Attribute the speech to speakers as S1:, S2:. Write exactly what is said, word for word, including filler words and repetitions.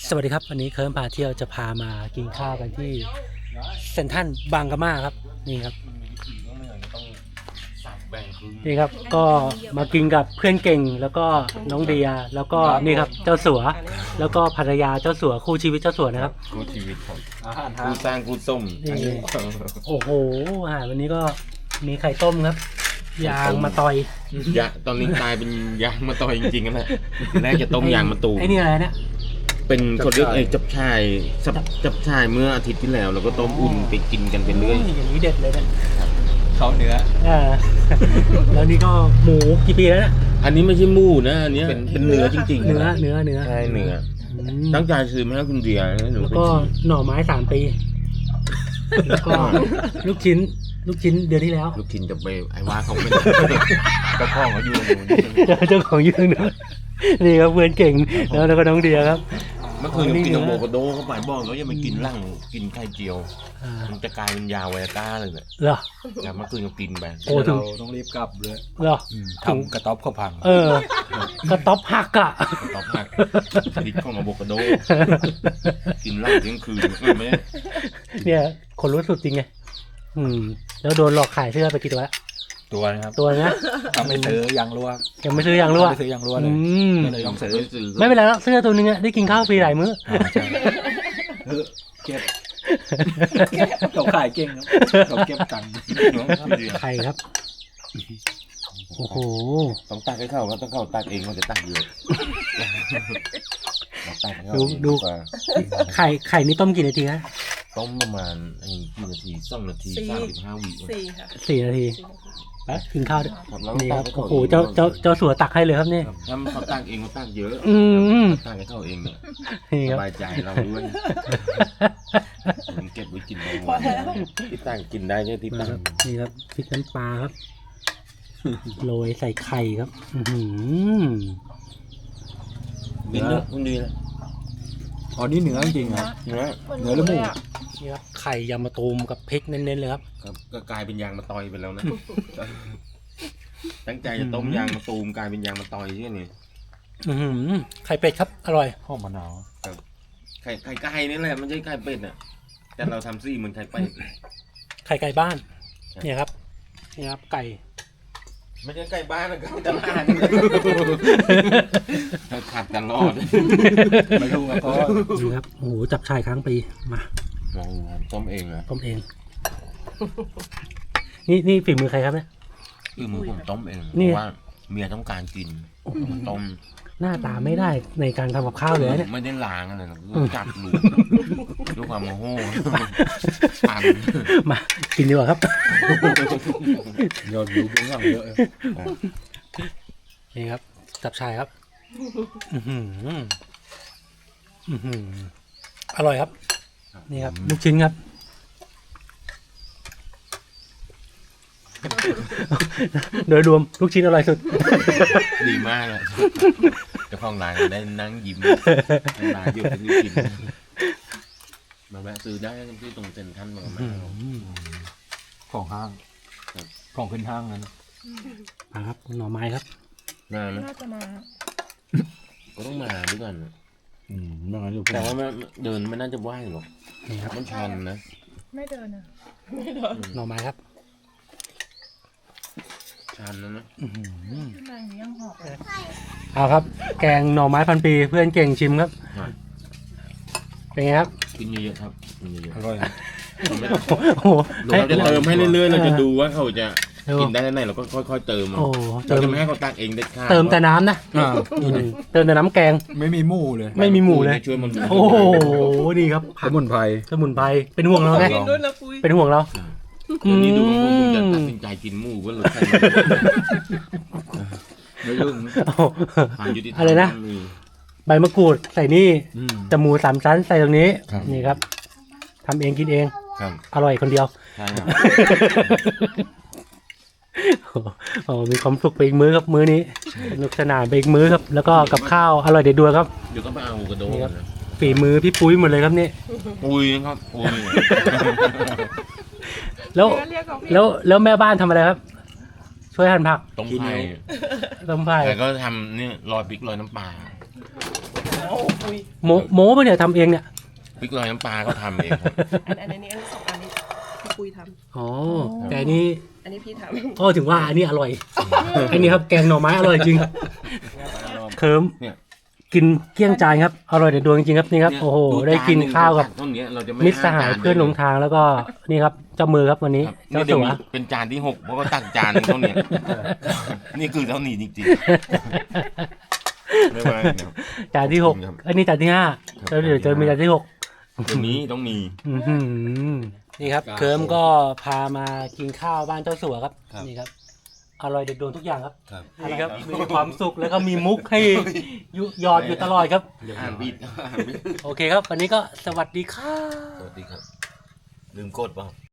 S1: สวัสดีครับวันนี้เคิร์มพาเที่ยวจะพามากินข้าวกันที่เซ็นทรัลบางกะมาครับนี่ครับนี่ครับก็มากินกับเพื่อนเก่งแล้วก็น้องเดียแล้วก็นี่ครับเจ้าสัวแล้วก็ภรรยาเจ้าสัวคู่ชีวิตเจ้าสัวนะครับ
S2: คู่ชีวิตผมคู่สร้างคู่ส้ม
S1: โอ้โหอาหารวันนี้ก็มีไข่ต้มครับยางมาตอย
S2: ยาตอนนี้กลายเป็นยางมาต่อยจริงๆกันแหละแรกจะต้มยางมาตูม
S1: ไอ้นี่อะไรเนี่ย
S2: เป็นคนเรียกไอ้จับชายจับจับชายเมื่ออาทิตย์ที่แล้วเราก็ต้มอุ่นไปกินกันไปเรื่อย
S1: อย่างนี้เด็ดเลยนะ
S3: เขาเนื้อ
S1: อ่าแล้วนี่ก็หมูกี่ปีแล้วเนี่ย
S2: อันนี้ไม่ใช่หมูนะอันนี้เป็นเป็นเนื้อจริงๆ
S1: เนื้อเนื้อเนื้อ
S2: ใช่เนื้อ
S1: อืม
S2: ตั้งใจซื้อมาให้คุณเดียนะหนู
S1: แล้ว
S2: ไป
S1: ก็
S2: ชิม
S1: หน่อไม้สามปีแล้วก็ลูกชิ้น ลูกชิ้นเดือนที่แล้ว
S2: ลูกชิ้นจะไปไอ้ว่าเขาไม่
S3: กระเพาะเขาอยู่ตรงนู้น
S1: เจ้าของยืนเนอะนี่ครับเพื่อนเก่งแล้วแล้วก็น้องเดียครับ
S2: เมื่อคืนกินโมโกโดเข้าไปบอกแล้วอย่าไปกินร่างกินไข่เจียว
S1: อ่า
S2: มันจะกลายเป็นยาไวอาก้าเลยเนี่ย
S1: เหรอ
S2: แต่เมื่อคืนก็กินไป
S1: โอ้ถึง
S3: เราต้องรีบกลับเลย
S1: เหรอ
S3: ทำกระต๊อบเขาพัง
S1: เออกระต๊อบหักอ่ะ
S2: ตอบหักดิของอะโวคาโดกินเหล้าเที่ยงคืนไม่ได้
S1: เนี่ยคนรู้สุดจริงไงอืมแล้วโดนหลอกขายเสื้อไปกี่ตัวแล้ว
S3: ตัวนะครับ
S1: ตัวนะ
S3: ทำไม่ซื้อยางรั่ว
S1: ยังไม่ซื้อยังรู้อ่ะ
S3: ไม่ซื้อยางรั่วเล
S1: อื
S3: ย
S1: ม
S3: ก็เลยต้องซื้อ
S2: ซื้อ
S1: ไม่เป็นไรแล้วเสื้อตัวนึงอะได้กินข้าวฟรีหลายมื้อ
S3: อ่าใช่เออเก็บเขาขายเก่งครับเขาเก็บตังค์
S1: ไข่ครับโอ้โห
S2: ต้องตักให้เข้าก็ต้องเข้าตักเองมันจะตักเยอะตักให้เข้า
S1: ดูดู ไข่ไข่นี่ต้มกี่นาทีฮะ
S2: ต้มประมาณไอ้กี่นาทีสองนาทีสามสิบห้าวิ
S4: สี่ค่ะ
S1: สี่นาที
S4: สี่นาที
S1: ไปกินข้าวด้วย
S2: ครับแล้ว
S1: นี่
S2: ตั
S1: ค
S2: ก
S1: รับ
S2: ให้
S1: โอ้
S2: เข้า
S1: โหเจ้าเจ้าเจ้าสัวตักให้เลยครับนี่
S2: ถ้าเขาตักเองเขาตักเยอะ
S1: อืม
S2: ตักให้เข้าเองเนี่ย
S1: นี่
S2: ส
S1: ครับ
S2: บายใจเราด้วยผมเก็บไว้กินบางวันที่ตั้งกินได้แค่ที่ตั้ง
S1: นี่ครับพริกน้ำปลาครับโรยใส่ไข่ครับอื้อหือ
S2: กินเนอะคุณดีนะ
S3: อ๋อนี่เนื้อจริงๆครับ
S2: เนื้อ
S3: เนื้อหรือหมู
S1: นี่ครับไข่ยำมะตูมกับพริกเน้นๆเลยครับ
S2: ครับก็กลายเป็นยางมะตอยไปแล้วนะ ตั้งใจจะต้มยางมะตูมกลายเป็นยางมะตอยใช่ไหม
S1: อื้อหือไข่เป็ดครับอร่อย
S3: หอมมะนาว
S2: ไข่ไข่ไก่นี่แหละมันใช่ไข่เป็ดอ่ะแต่เราทำซี่เหมือนไข่เป็ด
S1: ไข่ไก่บ้านเนี่ยครับนี่ครับไก่
S2: ไม่ใช่ไก่บ้านนะครับตลาดขัดตลอด
S3: ไม่รู้ครับเพราะ
S1: นี่ครับโอ้โหจับชายค้างปีมา
S2: ต้มเองนะ
S1: ต้มเอง นี่นี่ฝีมือใครครับเนี่ย
S2: คือมือผมต้มเองเพ
S1: นี่
S2: ราะว่าเมียต้องการกินต้ม
S1: หน้าตาไม่ได้ในการทำกับข้าวเลยนะเนี่ย
S2: ไม่ได้ล้างอะไรนะจับลูกด้วยความโมโหปั่น
S1: มากินดีกว่าครับ
S3: ยอดวิวเบื้องหลังเยอะ
S1: นี่ครับ จับชายครับ อื้อหืออื้อหืออร่อยครับ นี่ครับลูกชิ้นครับ โดยรวมลูกชิ้นอร่อยสุด
S2: ดีมากเลยเจ้าของร้านได้นั่งยิ้มร้านอยู่ที่กินมาแวะซื้อได้ที่ตรงเซ็นทรัลมาแม่
S3: ของห้างของขึ้นห้างนั้น
S1: มาครับหน่อไม้ครับ
S2: นานนะ
S4: น่าจะมา
S2: ก็ต้องมาด้วยกัน
S3: อืมไม่งั้นอยู่
S2: แต่ว่ามันเดินไม่น่าจะไหวหรอก
S1: นี่ครับ
S2: มันชันนะ
S4: ไม่เดินอ่ะ
S1: หน่อไม้ครับ
S2: ชันนะนะ
S1: อื้อหือ
S4: ข้างในนี้ยังหอบเลย
S1: เอาครับ แกงหน่อไม้พันปีเพื่อนเก่งชิมครับ เป็นไงครับ
S2: กินเยอะๆครับกินเยอะ
S3: อร่อย
S2: ๆเราไม่
S1: โอ้โห
S2: เราจะเติมให้เรื่อยๆเราจะดูว่าเขาจะ
S1: ดู
S2: กินได้แค่ไหนเราก็ค่อยๆเติมเอา
S1: โอ้
S2: เรา
S1: เติม
S2: จะไม่ให้เขาตักเองเด็ดขาด
S1: เติมแต่น้ำนะ
S3: อ่า
S1: อืมเติมแต่น้ำแกง
S3: ไม่มีหมูเลย
S1: ไม่มีหมูเลย
S2: ช่วยมัน
S1: โอ้โหดีครับ
S3: ส
S1: ผัก
S3: มุนไพร
S1: สมุนไพรเป็นห่วงเราไง
S3: ลอง
S4: ด้วยนะปุ้ย
S1: เป็นห่วงเรา
S2: คืนนี้ดูว่าผมจะตัดสินใจกินหมูเพื่อหรือใคร
S3: ไม่รู้
S1: โอ้โห
S2: ความยุติธรรม
S1: อะไรนะ
S2: มี
S1: ใบมะกรูดใส่นี่
S3: อืม
S1: จมูกสามชั้นใส่ตรงนี้
S3: ครับ
S1: นี่ครับทำเองกินเอง
S2: ครับ
S1: อร่อยคนเดียว
S2: ใช่ครับ
S1: โอ้โหมีความสุขไปอีกมื้อครับมื้อนี้สนุกสนานไปอีกมื้อครับ แล้วก็กับข้าวอร่อยเด็ดดวงครับ
S2: เดี๋ยวก็ไปเอากระโดด
S1: นี่ครับ ฝีมือพี่ปุ้ยหมดเลยครับนี่
S2: ปุยครับปุย
S1: แล้ว
S4: เรียกเขาพี่
S1: แล้วแล้วแม่บ้านทำอะไรครับ ช่วยหั่นผัก
S2: ต้มไผ่
S1: ต้มไผ่
S2: แต่ก็ทำนี่ลอยพริกลอยน้ำปลา
S1: อโมโมปะเนี่ยทำเองเนี่ย
S2: พริกลอยน้ำปลาก็ทำเองครับ
S5: อันอันนี้อันนี้สองอันนี้พี่ปุ้ยท
S1: อ๋อแต่อันนี้
S5: ำอันนี้พี่ท
S1: ก็ถึงว่าอันนี้อร่อย อันนี้ครับแกงหน่อไม้อร่อยจริงเคิร์ม
S2: เนี่ย
S1: กินเกลี้ยงจานครับอร่อยเด็ดดวงจริงๆครับนี่ครับโอ้โหได้กินข้าวกับ
S2: ต้นเนี้ยเราจะไม่
S1: มิตรสหายเพื่อนหลงทางแล้วก็นี่ครับเจ้ามือครับวันนี้
S2: ครับ
S1: เจ้า
S2: นี่เดี๋ย
S1: สั
S2: ว
S1: ว
S2: มีเป็นจานที่หกเพราะว่าตักจานหนึงเท่าเนี้ยนี่คือเท่านี้จริงๆไม่ว่าครับ
S1: จานที่หก
S2: ครับ
S1: อันนี้จานที่ห้า
S2: ครับ
S1: แล้วเดี๋ยวจะมีจานที่หก
S2: เดี๋ยวนี้ต้องมี
S1: อื้อหือนี่ครับเคิร์มก็พามากินข้าวบ้านเจ้าสัวครับ
S3: ครับ
S1: นี่ครับอร่อยเด็ดดวงทุกอย่างครับ
S3: ครับ
S1: นี่ครับมีความสุขแล้วก็มีมุกให้ยุหยอดอยู่ตลอดครับ
S2: อ่านบิดอ่านบิด
S1: โอเคครับ วันนี้ก็สวัสดีครับ
S3: สวัสดีครับ ลืมกดเปล่า